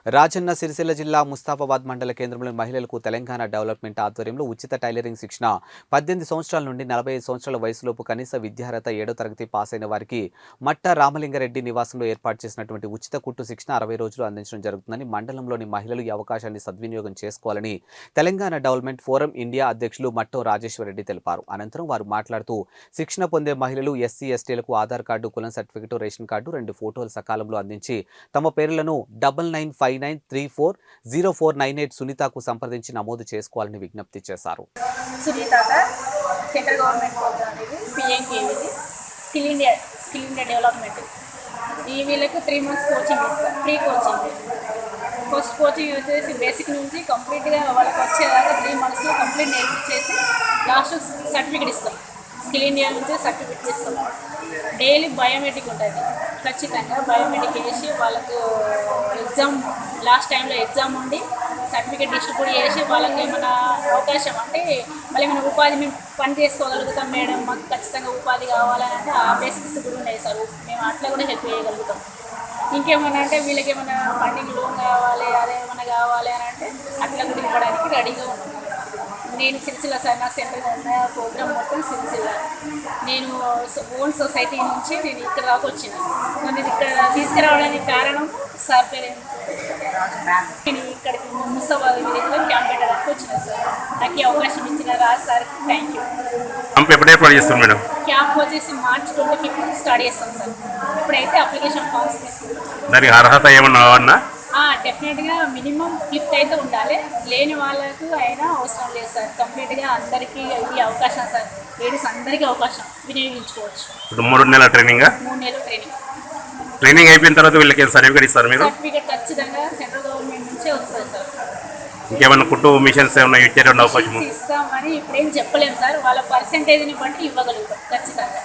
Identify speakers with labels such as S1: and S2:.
S1: రాజన్న సిరిసిల్ల జిల్లా ముస్తాఫాబాద్ మండల కేంద్రంలోని మహిళలకు తెలంగాణ డెవలప్మెంట్ ఆధ్వర్యంలో ఉచిత టైలరింగ్ శిక్షణ 18 సంవత్సరాల నుండి 45 సంవత్సరాల వయసులోపు కనీస విద్యార్హత 7వ తరగతి పాస్ అయిన వారికి మట్ట రామలింగారెడ్డి నివాసంలో ఏర్పాటు చేసినటువంటి ఉచిత కుట్టు శిక్షణ 60 రోజులు అందించడం జరుగుతుందని మండలంలోని మహిళలు ఈ అవకాశాన్ని సద్వినియోగం చేసుకోవాలని తెలంగాణ డెవలప్మెంట్ ఫోరం ఇండియా అధ్యక్షులు మట్టో రాజేశ్వరరెడ్డి తెలిపారు. అనంతరం వారు మాట్లాడుతూ శిక్షణ పొందే మహిళలు ఎస్సీ ఎస్టీలకు ఆధార్ కార్డు, కులం సర్టిఫికెట్, రేషన్ కార్డు, 2 ఫోటోలు సకాలంలో అందించి తమ పేర్లను 9959340498 సునీతకు సంప్రదించి నమోదు చేసుకోవాలని విజ్ఞప్తి చేశారు.
S2: సెంట్రల్ గవర్నమెంట్ ప్రోగ్రామ్ ఇది పిఎంకేవిది స్కిల్ ఇండియా డెవలప్మెంట్. ఈ వీళ్ళకు 3 months కోచింగ్ ఇస్తారు, ఫ్రీ కోచింగ్. ఫస్ట్ కోచింగ్ వచ్చేసి బేసిక్ నుంచి కంప్లీట్గా వాళ్ళకి వచ్చేదాకా 3 monthsలో కంప్లీట్ నేర్పించేసి లాస్ట్ సర్టిఫికేట్ ఇస్తాం. స్కిల్ ఇండియా నుంచి సర్టిఫికేట్ ఇస్తాం. డైలీ బయోమెట్రిక్ ఉంటుంది, ఖచ్చితంగా బయోమెట్రిక్ వేసి వాళ్ళకు ఎగ్జామ్ లాస్ట్ టైంలో ఎగ్జామ్ ఉండి సర్టిఫికేట్ డిస్ట్రిబ్యూట్ చేసి వాళ్ళకి ఏమైనా అవకాశం అంటే మళ్ళీ ఏమైనా ఉపాధి మేము పని చేసుకోగలుగుతాం మేడం, మాకు ఖచ్చితంగా ఉపాధి కావాలని అంటే ఆ బేసిక్స్ కూడా ఉన్నాయి సార్, మేము అట్లా కూడా హెల్ప్ చేయగలుగుతాం. ఇంకేమన్నా అంటే వీళ్ళకి ఏమైనా ఫండింగ్ లోన్ కావాలి, అదేమన్నా కావాలి అని అంటే అట్లా కూడా ఇవ్వడానికి రెడీగా ఉన్నాం. నేను సిరిసిల్ల సార్, నా సెంటర్గా ఉన్న ప్రోగ్రామ్ మొత్తం సిరిసిల్ల. నేను ఓన్ సొసైటీ నుంచి నేను ఇక్కడ దాకా వచ్చిన. నన్ను ఇక్కడ తీసుకురావడానికి కారణం సార్ పేరు నేను ఇక్కడికి ముస్తాబాద్ విలేజ్లో క్యాంప్ పెట్టడానికి వచ్చిన సార్. నాకు ఈ అవకాశం ఇచ్చిన Raj sir thank you. Camp వచ్చేసి March 25th స్టార్ట్ చేస్తాం సార్. ఇప్పుడైతే అప్లికేషన్ ఫామ్స్ తీసుకుంటాం.
S3: దానికి అర్హత ఏమన్నా?
S2: డెఫినెట్గా మినిమం 5th అయితే ఉండాలి, లేని వాళ్ళకు అయినా అవసరం లేదు సార్. కంప్లీట్గా అందరికీ ఈ అవకాశం సార్, లేడీస్ అందరికీ అవకాశం వినియోగించుకోవచ్చు.
S3: 3 నెలల ట్రైనింగ్.
S2: 3 నెలల
S3: ట్రైనింగ్ అయిపోయిన తర్వాత వీళ్ళకి సర్టిఫికేట్ ఇస్తారు మీరు?
S2: సర్టిఫికేట్ ఖచ్చితంగా సెంట్రల్ గవర్నమెంట్ నుంచే వస్తుంది సార్.
S3: ఇంకేమైనా కుట్టు మిషన్స్ ఏమైనా ఇచ్చేటువంటి అవకాశం
S2: ఇస్తామని ఇప్పుడేం చెప్పలేము సార్, వాళ్ళ పర్సెంటేజ్ని బట్టి ఇవ్వగలుగుతాం ఖచ్చితంగా.